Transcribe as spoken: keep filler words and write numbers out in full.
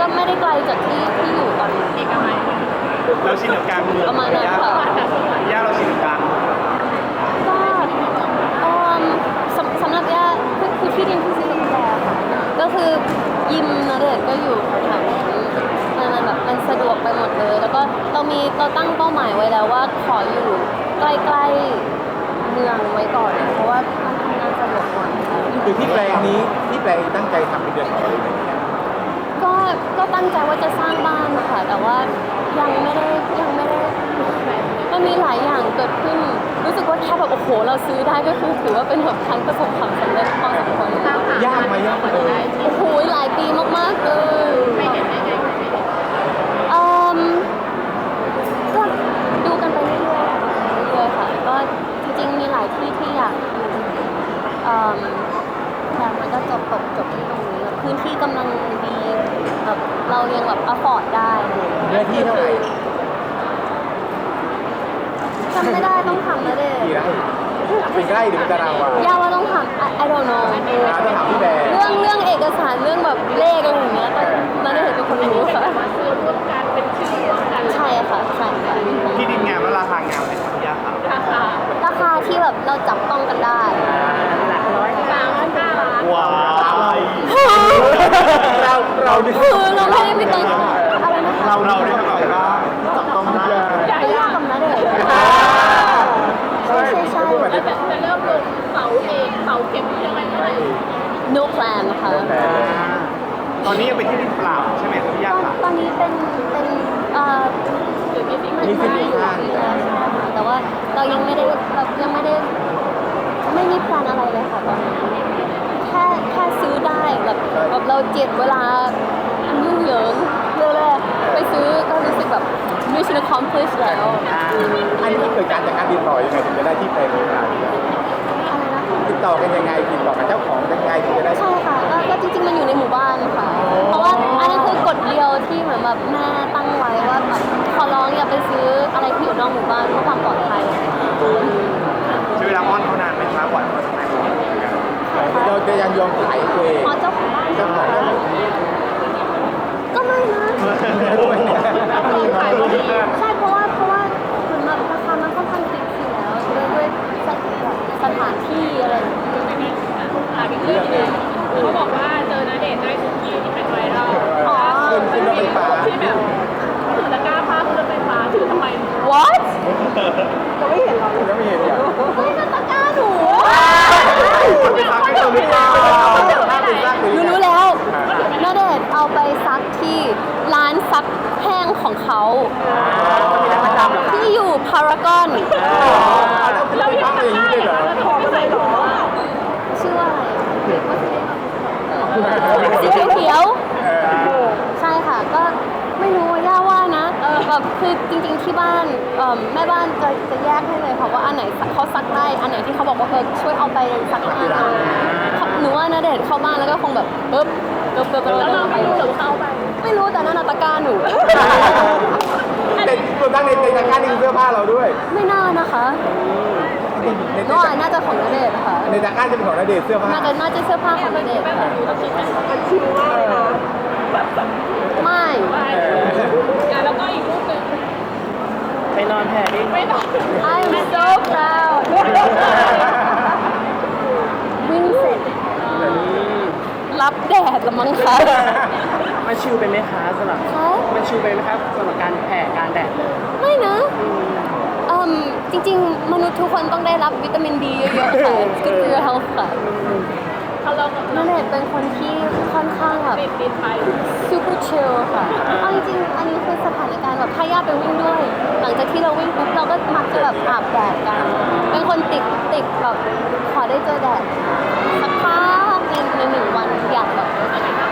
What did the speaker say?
ไม่ได้ไกลจากที่ที่อยู่ตอนนี้เอกมัยเราชินกับกลางเมืองประมาณนั้นค่ะย่าเราชินกับกลางก็เอ่อสำสำหรับย่าคือคือที่ดินที่ซื้อกับแกค่ะก็คือยิมนะเด็กก็อยู่แถวนี้มันมันแบบมันสะดวกไปหมดเลยแล้วก็เรามีเราตั้งเป้าหมายไว้แล้วว่าขออยู่ใกล้ๆเมืองไว้ก่อนเพราะว่ามันทำงานสะดวกกว่าคือที่แปลงนี้ที่แปลงตั้งใจทำเป็นเดือนของอะไรแบบนี้ก็ก็ตั้งใจว่าจะสร้างบ้านค่ะแต่ว่ายังไม่ได้ยังไม่ได้มันมีหลายอย่างเกิดขึ้นรู้สึกว่าแค่แบบโอ้โหเราซื้อได้ก็คือถือว่าเป็นแบบครั้งประสบความสำเร็จพอสมควรยากไหมยากไหมเออโอ้โหหลายปีมากๆเลยไม่เห็นไม่เห็นเอ่อก็ดูกันไปเรื่อยๆเรื่อยๆค่ะก็จริงๆมีหลายที่ที่อยากเอ่อแต่มันก็จบตกจบที่ตรงนี้พื้นที่กำลังดีแบบเรายังแบบอฟอร์ดได้เนื้อที่เท่าไหร่จำไม่ได้ต้องทำแล้วเด็กี่ไร่เป็นไร่หรือเป็นตารางวาย่าว่าต้องทำ I don't know ต้องถามพี่แบร์เรื่องเรื่องเอกสารเรื่องแบบเลขอะไรอย่างเงี้ยต้องนั่นเห็นเป็นคนรู้ค่ะซื้อร่วมกันเป็นชื่อร่วมกันใช่ค่ะใช่ค่ะที่ดินงามและราคางามเลยครับย่าครับราคาราคาที่แบบเราจับต้องกันได้หลักร้อยสามพันห้าล้านว้าวเราเราคือเราไม่ได้ไปตึงอะไรนะคะเราเราได้ทำอะไรบ้างจับต้องได้ไม่ยากกับนะเด็กใช่ใช่ใช่แล้วแบบจะเริ่มลงเสาเองเสาเข็มยังไงเมื่อไหร่ no plan ค่ะตอนนี้ยังเป็นที่ดินเปล่าใช่ไหมครับพี่ย่าค่ะตอนนี้เป็นเป็นเอ่อมีสิ่งมันมันไม่อยู่ที่แล้วใช่ไหมคะแต่ว่าเรายังไม่ได้แบบยังไม่ได้ไม่มีแพลนอะไรเลยค่ะตอนนี้แค่แค่ซื้อได้แบบแบบเราเจ็ดเวลาอันยุ่งเหยิงเรื่องแรกไปซื้อก็รู้สึกแบบ mission accomplished แล้วอันนี้มันเกิดการจากการติดต่อยังไงถึงจะได้ที่แปลงนี้มาอะไรนะติดต่อกันยังไงติดต่อกับเจ้าของยังไงถึงจะได้ใช่ค่ะก็ก็จริงๆมันอยู่ในหมู่บ้านค่ะเพราะว่าอันนั้นคือกฎเดียวที่เหมือนแบบแม่ตั้งไว้ว่าแบบขอร้องอย่าไปซื้ออะไรที่อยู่นอกหมู่บ้านเพื่อความปลอดภัยใช้เวลาอ้อนเขานานไหมครับกว่าจะได้ของเราจะยังยอมขายตัวเองอ๋อเจ้าของบ้านเจ้าของก็ไม่นะใช่เพราะว่าเพราะว่าเหมือนแบบราคามันค่อนข้างฟิกอยู่แล้วด้วยด้วยสถานที่อะไรอ่าเป็นเรื่องนึงเขาบอกว่าเจอณเดชน์ได้ทุกที่ที่เป็นไวรัลอ๋อขึ้นรถไฟฟ้าที่แบบถือตะกร้าผ้าขึ้นรถไฟฟ้าถือทำไม what ก็ไม่เห็นเราก็ไม่เห็นอย่างเฮ้ยตะกร้าหนูไปซักให้เราหรือเปล่าหนูรู้แล้วณเดชน์เอาไปซักที่ร้านซักแห้งของเขาที่อยู่พารากอนเราไม่ทำอย่างนี้เลยเหรอถอดอะไรหรอชื่อว่าอะไรสีเขียวใช่ค่ะก็ไม่รู้ว่าย่าว่านะแบบคือจริงๆที่บ้านแม่บ้านจะจะแยกให้เลยค่ะว่าอันไหนเขาซักได้อันไหนที่เขาบอกว่าเออช่วยเอาไปซักให้หนูว่าณเดชน์เข้าบ้านแล้วก็คงแบบปึ๊บปึ๊บปึ๊บแล้วเราไม่รู้หรือเขาไปไม่รู้แต่นั่นตะกร้าหนูแต่ตัวตั้งในในตะกร้านี่คือเสื้อผ้าเราด้วยไม่น่านะคะน่าน่าจะของณเดชน์ค่ะในตะกร้าจะเป็นของณเดชน์เสื้อผ้าน่าจะน่าจะเสื้อผ้าของณเดชน์มันชิวมากเลยนะไม่แล้วก็อีกรูปหนึ่งไปนอนแผ่ดิไม่นอน I'm so proud วิ่งเสร็จรับแดดละมั้งคะมันชิวไปไหมคะสำหรับมันชิวไปไหมครับสำหรับการแผ่การแดดไม่นะอืมจริงๆมนุษย์ทุกคนต้องได้รับวิตามินดีเยอะๆค่ะก็คือ health ค่ะณเดชน์เป็นคนที่ค่อนข้างแบบ super chill ค่ะเอาจริงๆอันนี้คือสถานการณ์แบบถ้าย่าไปวิ่งด้วยหลังจากที่เราวิ่งปุ๊บเราก็มักจะแบบอาบแดดกันเป็นคนติดติดแบบขอได้เจอแดดสักพักในในหนึ่งวันอยากแบบ